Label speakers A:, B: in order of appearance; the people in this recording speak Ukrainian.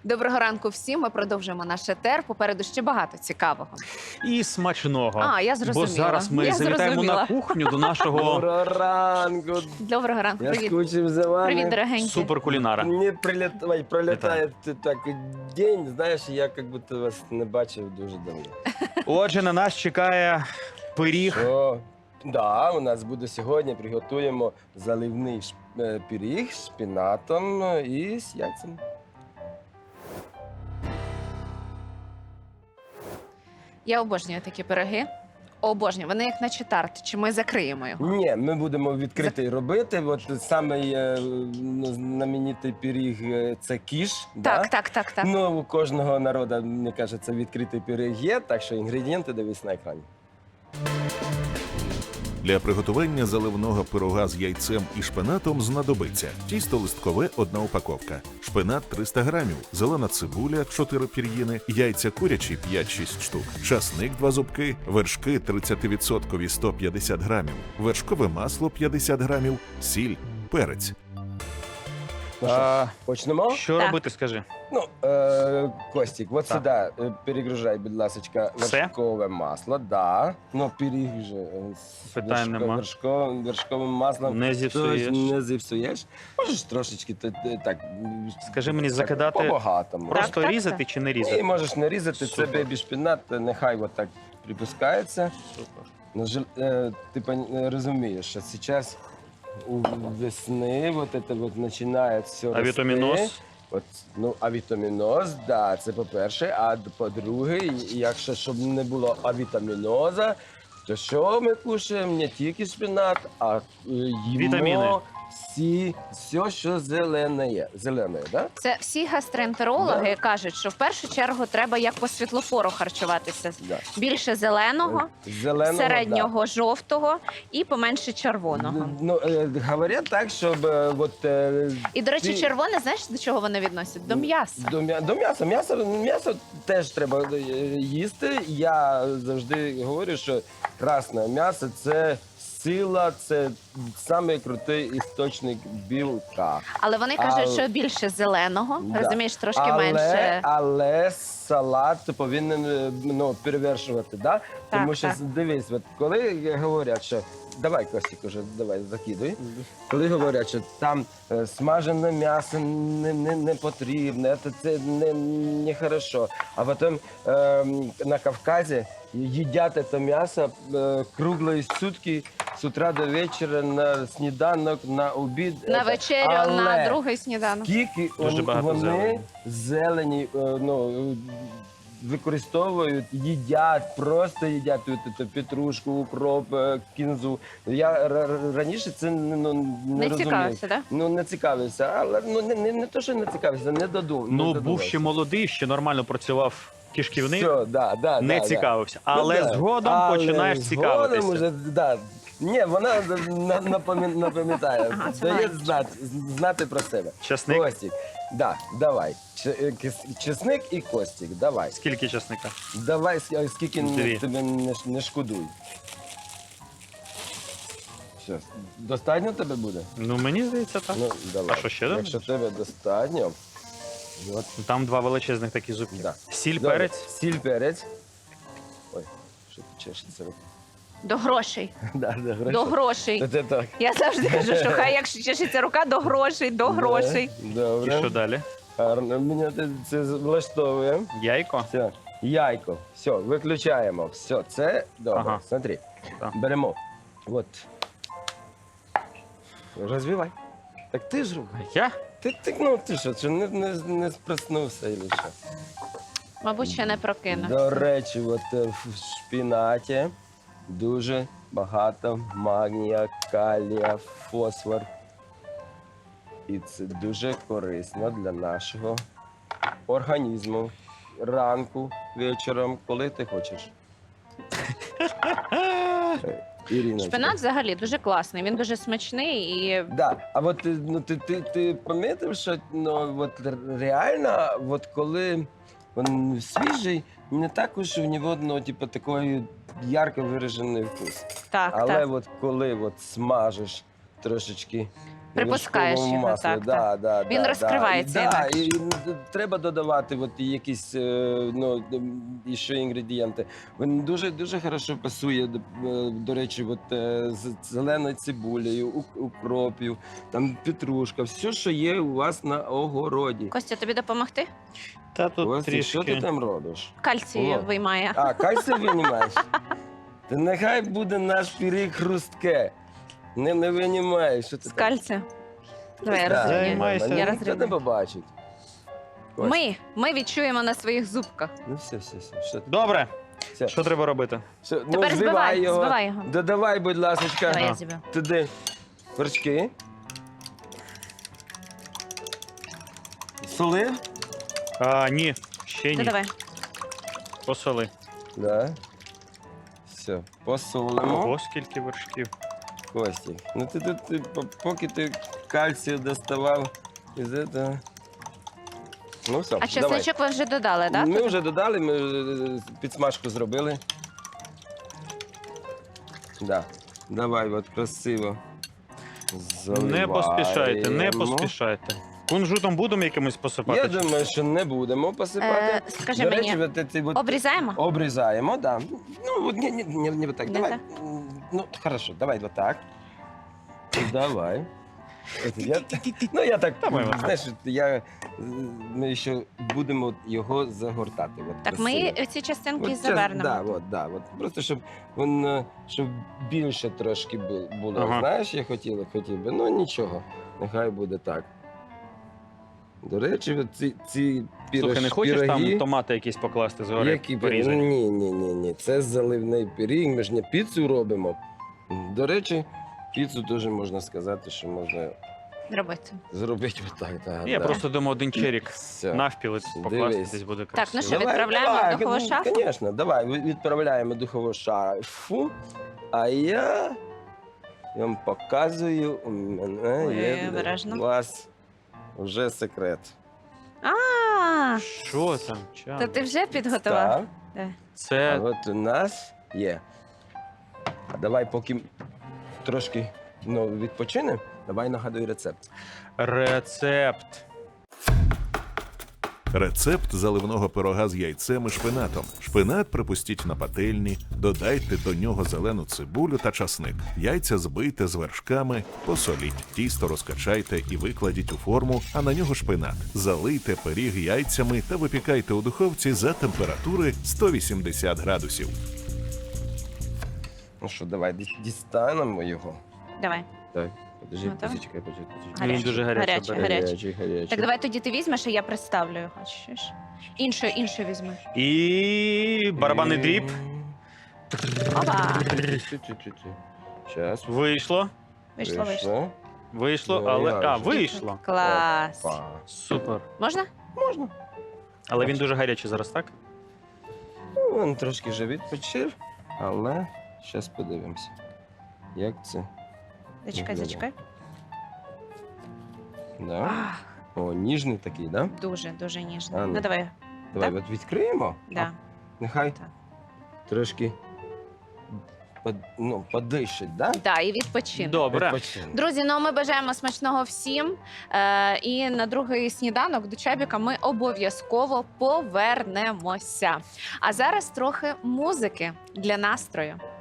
A: Доброго ранку всім. Ми продовжуємо наш етер. Попереду ще багато цікавого.
B: І смачного.
A: А, я зрозуміла.
B: Бо зараз ми
A: Я
B: завітаємо
A: зрозуміла.
B: на кухню до нашого
C: Доброго ранку.
A: Доброго ранку.
C: Я
A: Привіт.
C: скучив за вами.
A: Привіт, дорогенький.
B: суперкулінара.
C: Мені пролітає так день, знаєш, я як будто вас не бачив дуже давно.
B: Отже, на нас чекає пиріг.
C: Що? Да, у нас буде сьогодні, приготуємо заливний пиріг з шпинатом і з яйцем.
A: Я обожнюю такі пироги. Обожнюю. Вони як наче тарт. Чи ми закриємо його?
C: Ні, ми будемо відкритий робити. От самий знаменитий пиріг це кіш.
A: Так.
C: Ну, у кожного народу, мені кажеться, відкритий пиріг є, так що інгредієнти дивись на екрані.
D: Для приготування заливного пирога з яйцем і шпинатом знадобиться тісто листкове – 1 упаковка, шпинат – 300 грамів, зелена цибуля – 4 пір'їни, яйця курячі – 5-6 штук, часник – 2 зубки, вершки 30% – 150 грамів, вершкове масло – 50 грамів, сіль, перець.
C: Ну що,
B: А,
C: почнемо?
B: що
A: Так.
B: робити, скажи?
C: Ну, Костік, от
B: Так.
C: сюди перегружай, будь ласка,
B: Все?
C: вершкове масло. Да. Ну, пиріг вже з
B: Питань нема.
C: вершковим маслом.
B: Не зіпсуєш.
C: Тож не зіпсуєш. Можеш трошечки так.
B: Скажи мені,
C: так,
B: закидати
C: по-багатому.
B: Просто
A: так,
B: різати
A: так.
B: чи не
C: І
B: різати?
C: можеш не різати, це
B: Супер.
C: бебі шпинат, нехай от так припускається.
B: Супер.
C: Ну, ти розумієш, що зараз у весни вот это вот починає все
B: А вітаміноз?
C: От, ну, авітаміноз, да, це по-перше. А по-друге, якщо щоб не було авітаміноза, то що ми кушаємо? Не тільки шпинат, а їмо
B: Вітаміни.
C: все, що зелене є. Зелене, да?
A: Це всі гастроентерологи кажуть, що в першу чергу треба як по світлофору харчуватися.
C: Да.
A: Більше зеленого,
C: Зеленого,
A: середнього жовтого і поменше червоного.
C: Ну, говорять так, щоб
A: І, до речі,
C: ти-
A: червоне, знаєш, до чого вони відносять? До м'яса.
C: До м'яса. М'ясо теж треба їсти. Я завжди говорю, що красне м'ясо це сила, це самий крутий істочник білка.
A: Але вони кажуть,
C: Але-
A: що більше зеленого,
C: Да.
A: розумієш, трошки менше.
C: Але салат повинен перевершувати, да? Тому що
A: так.
C: дивись, от коли говорять, що давай, Костік, уже давай закидуй. Коли говорять, що там смажене м'ясо не потрібне, це не хорошо. А потім на Кавказі їдять це м'ясо круглої сутки, з утра до вечора, на сніданок, на обід.
A: На вечерю,
C: Але
A: на другий сніданок.
C: скільки
B: Дуже багато
C: вони зелені використовують, їдять, просто їдять петрушку, укроп, кінзу. Я раніше це не
A: Не
C: розумів.
A: цікавився, так?
C: Ну, не цікавився, але не то, що не цікавився, не додумав.
B: Ну, був ще молодий, ще нормально працював кишківник,
C: Все, да,
B: не
C: да,
B: цікавився.
C: Да.
B: Але
C: Ну, да.
B: згодом
C: Але
B: починаєш
C: згодом
B: цікавитися.
C: Уже, да. Ні, вона напам'ятає,
A: Ага,
C: дає
A: знає.
C: знати про себе.
B: Часник?
C: Костік, да, давай. Чесник і Костік, давай.
B: Скільки часника?
C: Давай, скільки
B: Дві.
C: тебе не шкодуй. Все, достатньо тебе буде?
B: Ну, мені здається, так.
C: Ну, давай.
B: А що ще
C: Якщо тебе достатньо, от,
B: Там 2 величезних такі зубки.
C: да.
B: Сіль,
C: Добре.
B: перець.
C: Сіль, перець. Ой, що ти чешеться?
A: До грошей.
C: Да,
A: До грошей.
C: Це так.
A: Я завжди кажу, що хай якщо чешеться рука, до грошей, до грошей.
C: Добре.
B: І що далі?
C: Гарно. Мене це влаштовує.
B: Яйко?
C: Все. Яйко. Все, виключаємо. Все, це добре.
B: Ага.
C: Смотри.
B: Так.
C: Беремо. От. Розвивай. Так ти ж роби.
B: Я?
C: Ти що, не спроснувся і що?
A: Мабуть, ще не прокинувся.
C: До речі, от в шпінаті дуже багато магнія, калія, фосфор. І це дуже корисно для нашого організму. Ранку, вечором, коли ти хочеш. Ірина.
A: Шпинат взагалі дуже класний, він дуже смачний і
C: Да, а от ти помітив, що от реально, от коли він свіжий, не так уж у нього такий ярко виражений вкус.
A: так,
C: Але
A: так.
C: от коли от смажеш трошечки
A: Припускаєш
C: вершковому
A: його,
C: маслі.
A: так,
C: Да, да,
A: Він
C: да,
A: розкривається
C: Да,
A: інакше.
C: і треба додавати от якісь ну, ще інгредієнти. Він дуже хорошо пасує, до речі, от, з зеленою цибулею, укропів, там петрушка, все, що є у вас на огороді.
A: Костя, тобі допомогти?
B: Та тут
C: Костя, що ти
B: трішки.
C: там робиш?
A: Кальцій
C: О.
A: виймає.
C: А, кальцій винімаєш? Та нехай буде наш пиріг хрустке. Не винімаєш. Що ти
A: З
C: там?
A: кальцію. Давай, я
C: Да,
A: розрівняю.
B: Займайся.
A: Я
C: Ніхто не
A: розрівняю.
C: побачить. Ось.
A: Ми відчуємо на своїх зубках.
C: Ну все. Що,
B: Добре,
C: все.
B: що треба робити?
C: Все, ну,
A: Тепер збивай його.
C: Додавай, будь ласка,
A: Давай я зіб'ю.
C: туди вершки. Солив?
B: Ні, ще ні.
A: Давай.
B: Посоли.
C: Да. Все, посолимо.
B: Ого, скільки вершків.
C: Костік, ну поки ти кальцію доставав із этого. Ну все,
A: А
C: давай.
A: чесничок ви вже додали, так?
C: Ми вже додали, ми підсмажку зробили. Да. Давай, от красиво.
B: Не поспішайте, не
C: заливаємо.
B: поспішайте. Кунжутом будемо якимось посипати?
C: Я думаю, що не будемо посипати.
A: Скажи
C: До
A: мені,
C: речі, от ці от
A: обрізаємо?
C: обрізаємо, да. Ну, от не вот так.
A: Не
C: Давай.
A: так?
C: Ну, хорошо, давай вот так. Давай. Я так,
B: Давай, Іван.
C: знаєш, ми ще будемо його загортати. От,
A: Так, ми
C: красиво.
A: ці частинки
C: От це-
A: завернемо.
C: от. Просто щоб він щоб більше трошки було.
B: Ага.
C: Знаєш, я хотів би. Ну нічого, нехай буде так. До речі, от ці
B: Слухай, не хочеш
C: пироги,
B: там томати якісь покласти згори?
C: які
B: порізані?
C: Ні. Це заливний пиріг, ми ж не піцу робимо. До речі, піцу теж можна сказати, що можна
A: Робити.
C: зробити отак.
B: Я просто думаю, один черік
C: Все.
B: навпіл покласти
C: Дивись.
B: десь буде
A: Так,
B: красиво.
A: ну що, відправляємо в духову шафу?
C: Звісно, давай, відправляємо в духову шафу, а я вам показую, у мене
A: Ой,
C: є для
A: обережно.
C: вас вже секрет.
A: А,
B: Що там? Чам?
A: то ти вже підготував?
C: Так, а
B: Це
C: от у нас є. А давай, поки трошки відпочинемо, давай нагадуй рецепт.
B: рецепт.
D: Рецепт заливного пирога з яйцем і шпинатом. Шпинат припустіть на пательні, додайте до нього зелену цибулю та часник. Яйця збийте з вершками, посоліть. Тісто розкачайте і викладіть у форму, а на нього шпинат. Залийте пиріг яйцями та випікайте у духовці за температури 180 градусів.
C: Ну що, давай дістанемо його.
A: Давай.
C: Так, подожди,
A: Готовий?
C: почекай.
B: Він дуже гарячий.
A: Гарячий.
C: Гарячий.
A: Так давай тоді ти візьмеш, а я представлю його. Чуєш? Іншу візьми.
B: І барабанний дріб.
A: Опа!
C: Зараз.
B: Вийшло.
A: Вийшло.
B: Вийшло,
C: Ну,
B: але.
C: я
B: А,
C: вже.
B: вийшло.
A: Клас.
B: Супер.
A: Можна?
C: Можна.
B: Але він дуже гарячий зараз, так?
C: Ну, він трошки вже відпочив, але зараз подивимося, як це.
A: Зачекай,
C: Виглядає.
A: зачекай.
C: Да?
A: Ах,
C: О, ніжний такий, да?
A: дуже ніжно.
C: А, ну.
A: Ну давай.
C: Давай
A: Так?
C: от відкриємо.
A: Да.
C: Нехай
A: Так.
C: трошки подишить, да?
A: Да, і відпочинок.
B: Добре.
C: Відпочине.
A: Друзі, ну ми бажаємо смачного всім. І на другий сніданок до Чабіка ми обов'язково повернемося. А зараз трохи музики для настрою.